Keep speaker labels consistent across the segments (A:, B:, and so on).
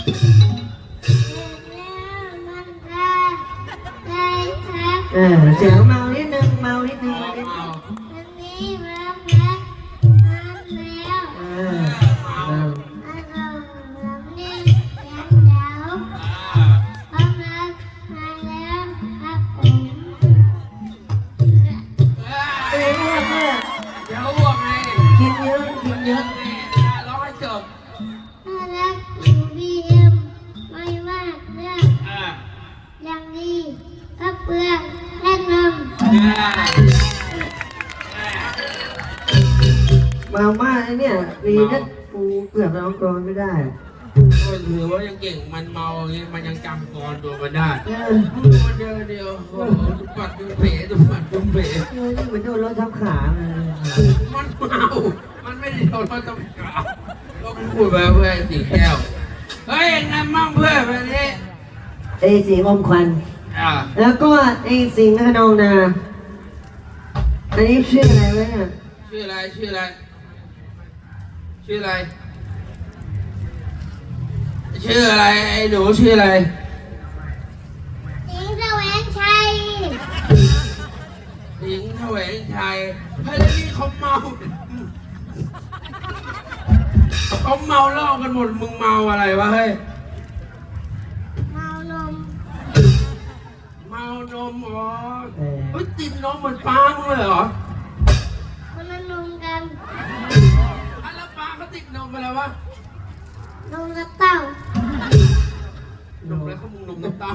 A: เสียงเมานิดนึงเมานิดนึง
B: วันนี้มาพักแล้วนี่ยังเดาพร้อมแล้วมาแล้วครับผม
C: เดี๋ยวอ้วกไง
A: กินเยอะกินเยอะ
C: ร้องให้จบ
B: น่ารักอยู่บีเอ็มไม่มากเรื่องยังดีพักเปลือกแนะนำ
A: เมามากเนี่ยดีนะกูเกือบร้องกรอนไม่ได้
C: ก็ถือว่ายังเก่งมันเมาอย่างนี้มันยังจำกรตัวมันได้เดียวโอ้โหตุปัดตุเป๋ตุปัดตุเป๋
A: เหมือนโดนรถทับขา
C: มันเมามันไม่ได้โดนรถทับขาก็พูดไปเพื่อสีแก้วเฮ้ยยังไงมั่งเพื่อนวันนี้
A: ไอ้สิงอมควันแล้วก็ไอ้สิงห์ขนองนาอันนี้ชื่ออะไรวะเนี่ย
C: ชื่ออะไรชื่ออะไรชื่ออะไรชื่ออะไรไอ้หนูชื่ออะไร
B: สิงห์แสวงชัย
C: สิงห์แสวงชัยเฮ้ยแล้วนี่เขาเมาเหล้ากันหมดมึงเมาอะไรวะเฮ้ย
B: เมานม
C: อ๋อเฮ้ยติดนมเหมือนปลามึงเลยเหรอ
B: คนละนมกัน
C: แล้วปลาเขาติดนมอะไรวะ
B: นมกระเต้าน
C: มอะไรเขามึงนมกระเต้า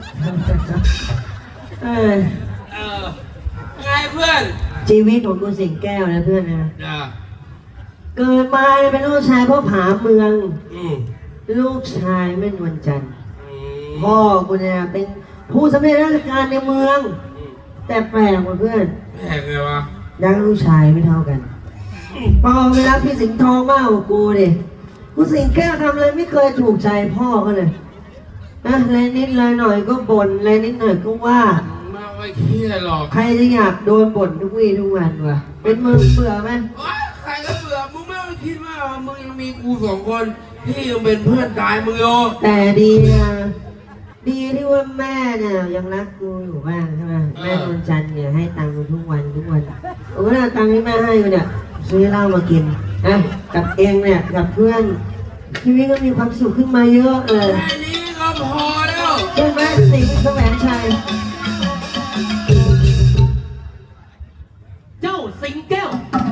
C: ไงเพื่อน
A: ชีวิตของกูสิงแก้วนะเพื่อนนะเกิดมาเป็นลูกชายพ่อผาเมืองลูกชายแม่นวลจันทร์พ่อกูเนี่ยเป็นผู้สำเร็จราชการในเมืองแต่แปลกกว่าเพื่อน
C: แปลกไงวะ
A: ดังลูกชายไม่เท่ากันพอเวลาพี่สิงห์ทองมากกว่ากูดิกูสิงแก้วทำอะไรไม่เคยถูกใจพ่อเขาเลยนะอะไรนิดอะไรหน่อยก็บ่นอะไรนิดหน่อยก็ว่า
C: ไม่เครียดหรอก
A: ใครจะอยากโดนบ่นทุกวี่ทุกวันวะเป็นมึงเบื่อไหม
C: ใครก็เบื่อมึงไม่คิดว่ามึงยังมีกูสองคนที่ยังเป็นเพื่อนกายมึงโย
A: แต่ดีนะดีที่ว่าแม่เนี่ยยังรักกูอยู่บ้างใช่ไหมแม่นวลจันทร์เนี่ยให้ตังค์ทุกวันโอ้ยตังค์ที่แม่ให้กูเนี่ยซื้อเหล้ามากินนะกับเองเนี่ยกับเพื่อนชีวิตก็มีความสุขขึ้นมาเยอะเลย
C: แค่นี้ก็พอแล้ว
A: ใช่ไหมสิงห์แสวงชัย
D: เจ้าสิงแก้ว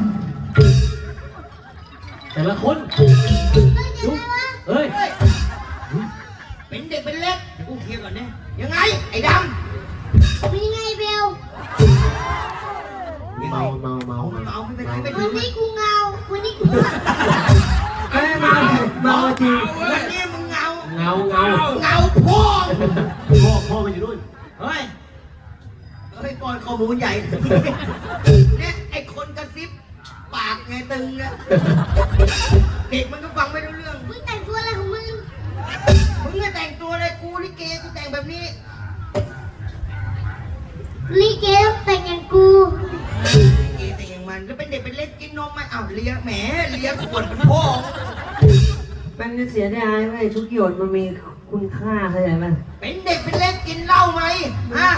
D: แต่ละคนเฮ้ย
C: เป็นเด็กเป็นเล็กกูเคลียร์ก่อนเนี่ยยังไงไอ้ด
B: ำเป็นไงเบล
D: เมา
C: ไม่เป็นไรไม่
B: วันนี้กูเงาวันนี้กู
A: เมาจริง
C: วันนี้มึงเงา
D: พ่อมันอยู่นู่น
C: เฮ้ยก่อนข้อมูลใหญ่เนี่ยไอ้คนกระซิบปากไงตึงเนี่ยเด็กมันก็ฟังไม่รู้เรื่อง
B: มึงแต่งตัวอะไรของมึง
C: ไม่แต่งตัวเลยกูลิเกกูแต่งแบบนี้
B: ลิเกแต่งอย่างกู
C: ลิเกแต่งอย่างมันแล้วเป็นเด็กเป็นเล็กกินนมไหมอ้าวเลี้ยงแหมเลี้ยงขวดเป็นพ่อ
A: มันเสียดายไหมทุกหยดมันมีคุณค่าเข้าใจไหม
C: เป็นเด็กเป็นเล็กกินเหล้าไหมฮะ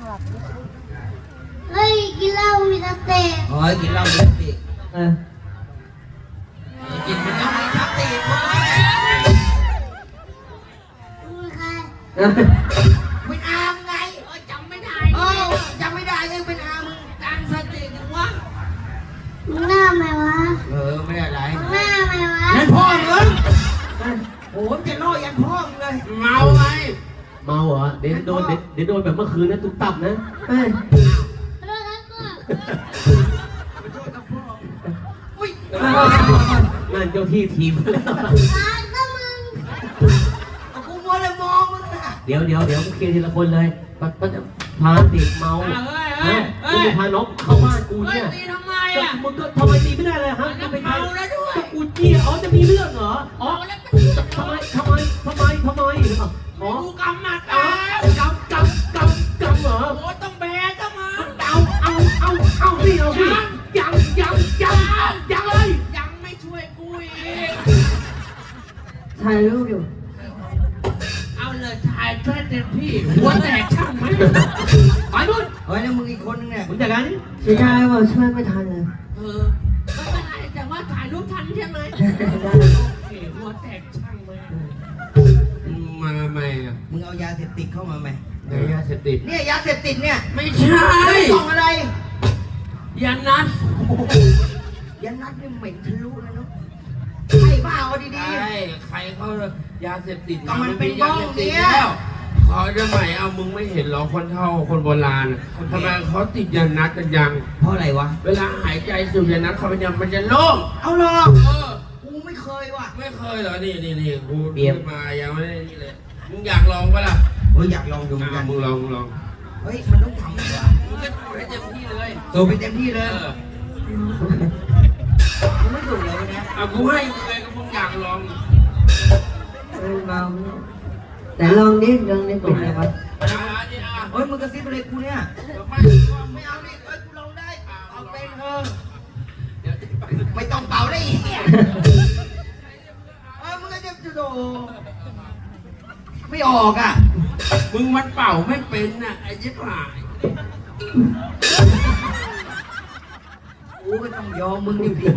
B: เฮ้ยกินเหล้ามีสเต็ก
C: กินเหล้ามีสเต็กกินเป็นเหล้ามีสเต็กเป็นอามไงจำไม่ได้จำไม่ได้ยังเป็นอามึงตั้งสติยังวะ
B: มึงหน้าไหมวะ
C: ไม่ได้ไร
B: มึงหน้าไหมวะ
C: ยันพ่อมึงโอ้จะล่อยันพ่อมึงเลยเมาไง
D: เมาเหรอเดี๋ยวโดนแบบเมื่อคืนนะตุ๊บตับนะ
B: ขอโทษครับพ่อ
C: ขอโทษครับพ่ออุ้ย
D: นั่นเจ้าที่ทีมแล้ว
B: ก็มึง
C: กูมัวเลยมองมึง
D: เดี๋ยวมึงเคลียร์ทีละคนเลยพาเด็กเมามึงพาน้องเข้าบ้านกูเนี่ย
C: ตีทำไมอ่ะ
D: มึงก็ทำไมตีไม่ได้เลยฮะ
C: จะไปเมาแล้วด้วย
D: ก็กูเจี๊ยจะมีเรื่องเหรอทำไม
C: กูกำมัดก
D: ำเหรอ
C: โอ้ต้องแบกก็มา
D: เอาสิยังเลย
C: ยังไม่ช่วยกูอีก
A: ถ่ายรูปอยู่
E: เลยถ่ายช่วยเต็มที่หัวแตกช่างไหมไปนู่น
C: เฮ้ยแล้วมึงอีกคนนึงเนี่ย
D: มึงจัดการนี่
A: เสียดายว่าช่วยไม่ทันเลย
E: ไม่เป็นไรแต่ว่าถ่ายรูปทันใช่ไหมโอเคหัวแตกช่างไหมมาทำไมอ่ะ
C: มึงเอายาเสพติดเข้ามาไหม
E: ไหนยาเสพติด
C: เนี่ยยาเสพติดเนี่ย
E: ไม่ใช่
C: กล่องอะไร
E: ยานัด
C: ยานัดเนี่ยเหม็นทะลุเลยเนาะใช่เปล่าเอาดี
E: ใช่ใครเขายาเสพติด
C: ก็มันเป็นบ้องเนี่ย
E: แล้วขอจะใหม่เอามึงไม่เห็นหรอคนเฒ่าคนโบราณทำไมเขาติดยานัดกันยัง
C: ๆเพราะอะไรวะ
E: เวลาหายใจสูดยานัดเขาเป็นยังมันจะโล่ง
C: เอาหรอ กูไม่เคยว่ะ
E: ไม่เคยเหรอ นี่กูเบียมายังไม่ได้นี่เลย มึงอยากลองปะล่ะ
C: เฮ้ยอยากลองดูเหมือนกัน
E: มึงลอง
C: เฮ้ยมันต้องทำด้วย
E: มึงก็ทำให้เต็มที่เลย
C: สูบไปเต็มที่เลย มึงไม่สูบเลยนะ
E: เอากูให้มึงเลยก็มึงอยากลอง
A: เมาเนี่ยแต่ลองนิดเป็นไงวะ
E: นี่อ่ะ
C: เฮ้ยมึงกระซิบอะไรกูเนี่ย
E: ไม่
C: ไม่เอาดิเฮ้ยกูลองได้ เอาเป็นเถอะ
E: เดี๋ยว
C: ไม่ต้องเป่าได้อีกมึงก็จะโดไม่ออกอ่ะ
E: มึงมันเป่าไม่เป็นน่ะไอ้ยิบหาย
C: กูก็ต้องยอมมึงอยู่ดี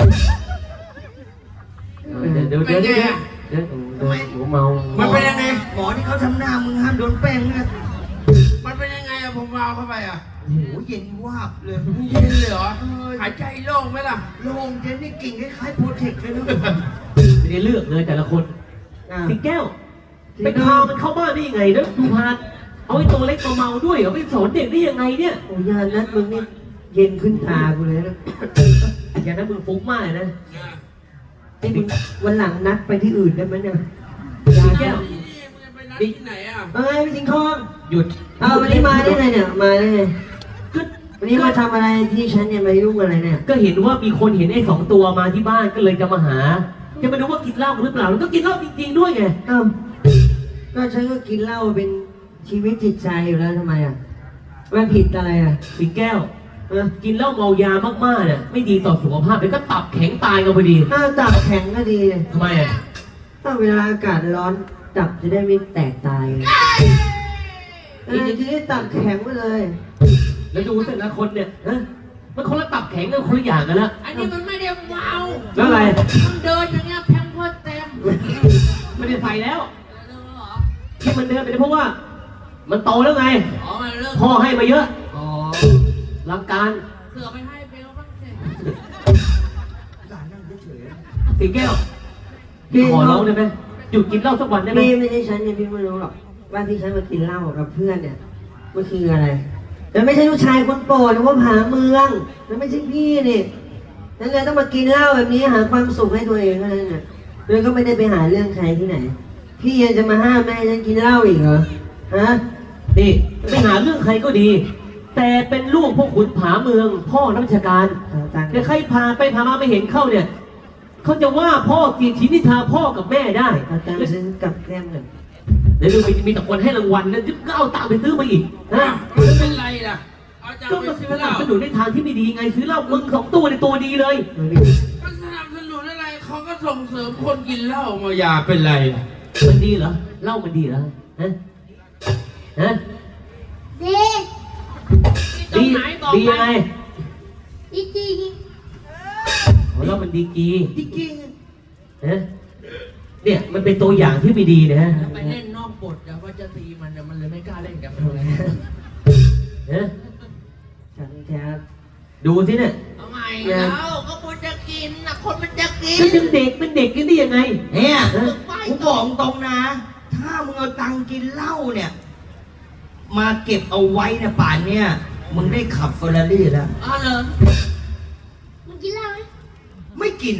D: เดี๋ยวหัวเมา
E: มันเป็นยังไง
C: หมอที่เขาทำหน้ามึงห้ามโดนแป้งนะ
E: มันเป็นยังไงอะผมเอาเข้าไปอะ
C: โอ้โหเย็นวาบเลย
E: มึงเย็นเลยเหรอ หายใจโล่งไหมล่ะ
C: โล่งเย็นนี่กิ่งคล้ายๆโปรเทคเลยนะ
D: ไม่ได้เลือกเลยแต่ละคน สิงแก้วไปพามันเข้าบ้านได้ยังไงนะดูพานเอาไอ้ตัวเล็กตัวเมาด้วยเหรอไปสอนเด็กได้ยังไงเนี่ย
A: โอ้ยานัดมึงนี่เย็นขึ้นตากูเลยนะ
D: อย่างนั้นมึงฟุ้งมากเลยนะ
A: ไอ้มึงวันหลังนัดไปที่อื่นได้ไหมเนี่ย
D: สิงแก้ว
E: นี่มึงจะไปนัดที่ไหนอะ
A: เอ้ยพี่สิงห์ทอง
D: หยุด
A: เอาวันนี้มาได้ไงเนี่ยมาได้ไง
D: ก็
A: วันนี้มาทำอะไรที่ฉันเนี่ยมายุ่งอะไรเนี่ย
D: ก็เห็นว่ามีคนเห็นไอ้2 ตัวมาที่บ้านก็เลยจะมาหา จะมาดูว่ากินเหล้าหรือเปล่าแล้วก็กินเหล้าจริงๆด้วยไง
A: เอ้าก็ฉันก็กินเหล้าเป็นชีวิตจิตใจอยู่แล้วทำไมอ่ะไม่ผิดอะไรอ่ะ
D: สิงแก้วกินเหล้าเมายามากๆเนี่ยไม่ดีต่อสุขภาพแล้วก็ตับแข็งตายกันพอดี
A: ถ้าตับแข็งก็ดีเลย
D: ทำไมอ่ะ
A: ถ้าเวลาอากาศร้อนตับจะได้ไม่แตกตายไงจะได้ตับแข็งไปเลย
D: แล้วดูแต่ละคนเนี่ยมันคนละตับแข็งกันคนละอย่างกันละ
E: อันนี้มันไม่ได้เมา
D: แล้วอะไร
E: มันเดินอย่างเงี้ยแพมเพิร์สเต็ม
D: ไม่ได้ใส่แล้ว
E: เดินเหรอ
D: ที่มันเดินไปเพราะว่า มันโตแล้วไง
E: อ๋อมันเลิก
D: พ่อให้มาเยอะ
E: อ๋อ
D: หลักการ
E: เสือไปให้เบลบ้างสิ
C: สารนั่งเฉย
D: สิงแก้วพี่ขอร้องได้ไหมหยุดกินเหล้าสักวันได้ไหม
A: พี่ไม่ใช่ฉันเนี่ยพี่ไม่รู้หรอกว่าที่ฉันมากินเหล้ากับเพื่อนเนี่ยมันคืออะไรแต่ไม่ใช่ลูกชายคนโปรดหรือว่าผาเมืองแล้วไม่ใช่พี่นี่ฉันเลยต้องมากินเหล้าแบบนี้หาความสุขให้ตัวเองเท่านั้นน่ะเลยก็ไม่ได้ไปหาเรื่องใครที่ไหน พี่ยังจะมาห้ามแม่ให้ฉันกินเหล้าอีกเหรอฮะ
D: นี่ไปหาเรื่องใครก็ดี แต่เป็นลูกพวกขุนผาเมือง พ่อนักวิชาการ
A: เอาตังค์
D: แต่ใครพาไปพามาไม่เห็นเข้าเนี่ยเขาจะว่าพ่อกีดชีนิทาพ่อกับแม่ได้
A: เอาตังค์ซื้อกับแก้มกัน
D: เดี๋ยวดูมีแต่คนให้รางวัลนะก็เอาตังค์ไปซื้อมาอีกนะ
E: ไม่เป็นไรล่ะ เอาจะ
D: ก็
E: ไป
D: มา
E: ซื้อ
D: ส
E: เห
D: นั
E: ล้า
D: บสนุนในทางที่ไม่ดีไงซื้อเหล้ามึง2 ตัวในตัวดีเลย
E: มันสนับสนุนอะไรเขาก็ส่งเสริมคนกินเหล้ามายาเป็นไรล่ะ
D: มันดีเหรอเหล้ามันดีเหรอฮะฮะ
B: ดี
D: ดีดียังไง
B: ดีจริง
D: เหล้ามันดีกี
C: ๆจริง
D: ฮะเนี่ยมันเป็นตัวอย่างที่ไม่ดีนะฮะ
E: ไปเล่นนอกบทแต่ว่าจะตีมันแต่มันเลยไม่กล้าเล่นกับมันเลย
D: ฮะ
A: ฉันแค่
D: ดูสิเนี่ย
E: ทำไมแล้วก็คนจะกินนะคนมันจะกิน
D: ก็ยังเด็กเป็นเด็กกันได้ยังไง
C: ๆเนี่ย
D: ฮะ
C: กูบอกตรงนะ ถ้ามึงเอาตังค์กินเหล้าเนี่ย มาเก็บเอาไว้เนี่ยป่านเนี่ยมึงได้ขับเฟอร์รารี่แล้ว
E: อ๋อเหรอ
B: มึงกินเหล้าไหม
C: ไม่กิน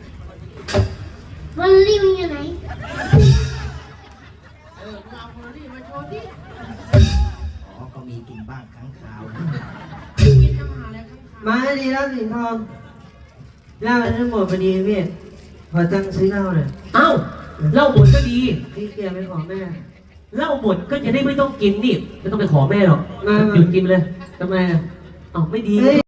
B: วันนี้มึงอยู่ไหน
E: มึงเอาคนนี้มาโชว์ดิ
C: อ๋อ ก็มีกินบ้างครั้งคราว
E: กินอาหารอะไรข้าง
A: มาดีแล้วสิงห์ทองเหล้าทั้งหมดพอดีพี่ขอตังค์ซื้อเหล้าหน่อย
D: เอ้าเหล้าหมดก็ดี
A: พี่เกียร์ไปขอแม่
D: เหล้าหมดก็จะได้ไม่ต้องกินนี่ไม่ต้องไปขอแม่หรอก
A: มา
D: หยุดกินเลย
A: ทำไมอ่ะ
D: เอ้าไม่ดี
A: เฮ้ย